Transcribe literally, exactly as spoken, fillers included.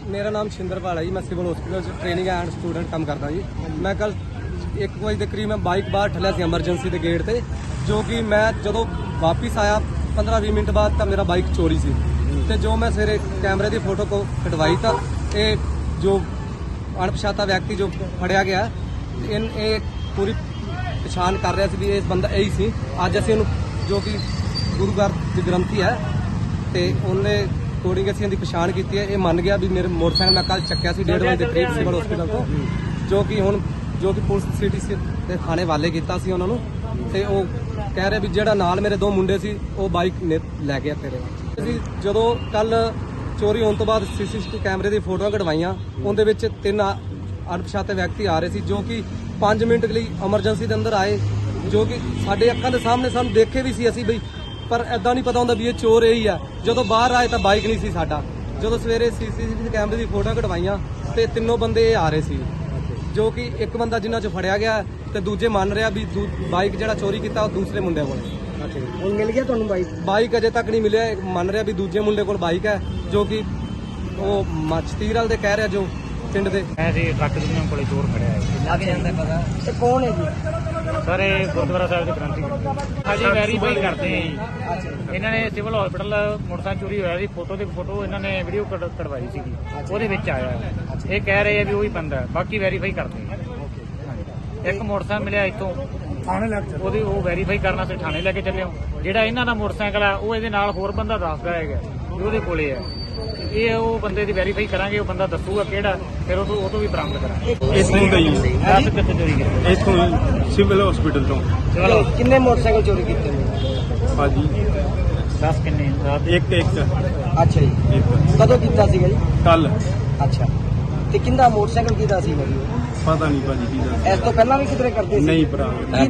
मेरा नाम शिंदरपाल है जी। मैं civil hospital training and student काम करता जी। मैं कल एक बजे के करीब मैं बाइक बाहर ठलिया सी एमरजेंसी के गेट से, जो कि मैं जो वापस आया पंद्रह भी मिनट बाद तो मेरा बाइक चोरी सी ते जो मैं सवेरे कैमरे की फोटो को कटवाई था ये जो अणपछाता व्यक्ति जो फड़िया गया इन ये पूरी पछाण कर रहा सी भी इस बंदा यही सी। अज असीं उहनूं जो कि गुरु घर ग्रंथी है तो उन्हें अकॉर्डिंग असीं इहदी पछाण की है। ये मन गया भी मेरे मोटरसाइकिल मैं कल चक्या सी डेढ़ बजे के करीब सिविल हॉस्पिटल तो, जो कि हुण जो कि पुलिस सिटी से थाने वाले किया सी उन्होंने ते वो कह रहे भी जेड़ा नाल मेरे दो मुंडे सी वो बाइक ने लै गया तेरे। ਅਸੀਂ ਜਦੋਂ ਕੱਲ ਚੋਰੀ ਹੋਣ ਤੋਂ ਬਾਅਦ ਸੀਸੀਟੀਵੀ ਕੈਮਰੇ ਦੀ ਫੋਟੋਆਂ ਕਢਵਾਈਆਂ ਉਹਦੇ ਵਿੱਚ ਤਿੰਨ ਅਣਪਛਾਤੇ ਵਿਅਕਤੀ ਆ ਰਹੇ ਸੀ ਜੋ ਕਿ ਪੰਜ ਮਿੰਟ ਲਈ ਐਮਰਜੈਂਸੀ ਦੇ ਅੰਦਰ ਆਏ, ਜੋ ਕਿ ਸਾਡੇ ਅੱਖਾਂ ਦੇ ਸਾਹਮਣੇ ਸਾਨੂੰ ਦੇਖੇ ਵੀ ਸੀ ਅਸੀਂ ਬਈ, ਪਰ ਐਦਾਂ ਨਹੀਂ ਪਤਾ ਹੁੰਦਾ ਵੀ ਇਹ ਚੋਰ ਇਹੀ ਆ। ਜਦੋਂ ਬਾਹਰ ਆਏ ਤਾਂ ਬਾਈਕ ਨਹੀਂ ਸੀ ਸਾਡਾ। ਜਦੋਂ ਸਵੇਰੇ ਸੀਸੀਟੀਵੀ ਕੈਮਰੇ ਦੀ ਫੋਟੋਆਂ ਕਢਵਾਈਆਂ ਤੇ ਤਿੰਨੋਂ ਬੰਦੇ ਇਹ ਆ ਰਹੇ ਸੀ, ਜੋ ਕਿ ਇੱਕ ਬੰਦਾ ਜਿਨ੍ਹਾਂ 'ਚ ਫੜਿਆ ਗਿਆ ਤੇ ਦੂਜੇ ਮੰਨ ਰਿਹਾ ਵੀ ਬਾਈਕ ਜਿਹੜਾ ਚੋਰੀ ਕੀਤਾ ਉਹ ਦੂਸਰੇ ਮੁੰਡੇ ਕੋਲ। ਹੁਣ ਮਿਲ ਗਿਆ ਤੁਹਾਨੂੰ ਬਾਈਕ? ਬਾਈਕ ਅਜੇ ਤੱਕ ਨਹੀਂ ਮਿਲਿਆ। ਮੰਨ ਰਿਹਾ ਵੀ ਦੂਜੇ ਮੁੰਡੇ ਕੋਲ ਬਾਈਕ ਹੈ, ਜੋ ਕਿ ਉਹ ਮਚਤੀਰ ਵਾਲ ਦੇ ਕਹਿ ਰਿਹਾ ਜੋ ਪਿੰਡ ਦੇ ਐਸੇ ਟਰੱਕ ਦੁਨੀਆ ਕੋਲੇ ਚੋਰ ਖੜਿਆ ਹੈ। ਲੱਗ ਜਾਂਦਾ ਪਤਾ ਤੇ ਕੌਣ ਹੈ ਜੀ? ਸਰ ਇਹ ਗੁਰਦੁਆਰਾ ਸਾਹਿਬ ਦੇ ਗ੍ਰੰਥੀ ਅਜੇ ਵੈਰੀਫਾਈ ਕਰਦੇ ਆ ਜੀ। ਇਹਨਾਂ ਨੇ ਸਿਵਲ ਹਸਪੀਟਲ ਮੋਟਰਸਾਈਕਲ ਚੋਰੀ ਹੋਇਆ ਸੀ, ਫੋਟੋ ਦੇ ਫੋਟੋ ਇਹਨਾਂ ਨੇ ਵੀਡੀਓ ਕਢਵਾਈ ਸੀਗੀ, ਉਹਦੇ ਵਿੱਚ ਆਇਆ। ਇਹ ਕਹਿ ਰਹੇ ਆ ਵੀ ਉਹੀ ਬੰਦਾ, ਬਾਕੀ ਵੈਰੀਫਾਈ ਕਰਦੇ ਆ। ਇੱਕ ਮੋਟਰਸਾਈਕਲ ਮਿਲਿਆ ਇੱਥੋਂ ਥਾਣੇ ਲੈ ਕੇ, ਉਹਦੀ ਉਹ ਵੈਰੀਫਾਈ ਕਰਨਾ ਸੀ, ਥਾਣੇ ਲੈ ਕੇ ਚੱਲੇ ਹੋ। ਜਿਹੜਾ ਇਹਨਾਂ ਦਾ ਮੋਟਰਸਾਈਕਲ ਆ ਉਹ ਇਹਦੇ ਨਾਲ ਹੋਰ ਬੰਦਾ ਦੱਸਦਾ ਹੈਗਾ ਵੀ ਉਹਦੇ ਕੋਲੇ ਆ। ਇਹ ਉਹ ਬੰਦੇ ਦੀ ਵੈਰੀਫਾਈ ਕਰਾਂਗੇ, ਉਹ ਬੰਦਾ ਦੱਸੂਗਾ ਕਿਹੜਾ, ਫਿਰ ਉਹ ਤੋਂ ਉਹ ਤੋਂ ਵੀ ਬਰਾਮਦ ਕਰਾਂਗੇ। ਇੱਥੋਂ ਦਾ ਹੀ ਦੱਸ ਕਿੱਥੇ ਚੋਰੀ ਕੀਤੀ? ਇੱਥੋਂ ਹੀ ਸਿਵਲ ਹਸਪੀਟਲ ਤੋਂ। ਚਲੋ ਕਿੰਨੇ ਮੋਟਰਸਾਈਕਲ ਚੋਰੀ ਕੀਤੇ ਨੇ ਭਾਜੀ ਦੱਸ ਕਿੰਨੇ? ਰਾਤ ਦੇ ਇੱਕ ਇੱਕ ਅੱਛਾ ਜੀ, ਇੱਕ ਕਦੋਂ ਕੀਤਾ ਸੀਗਾ ਜੀ? ਕੱਲ ਅੱਛਾ, ਤੇ ਕਿੰਦਾ ਮੋਟਰਸਾਈਕਲ ਕਿਹਦਾ ਸੀਗਾ ਜੀ? ਪਤਾ ਨਹੀਂ ਭਾਜੀ ਕੀ ਦਾ। ਇਸ ਤੋਂ ਪਹਿਲਾਂ ਵੀ ਕਿਧਰੇ ਕਰਦੇ ਸੀ? ਨਹੀਂ ਭਰਾ।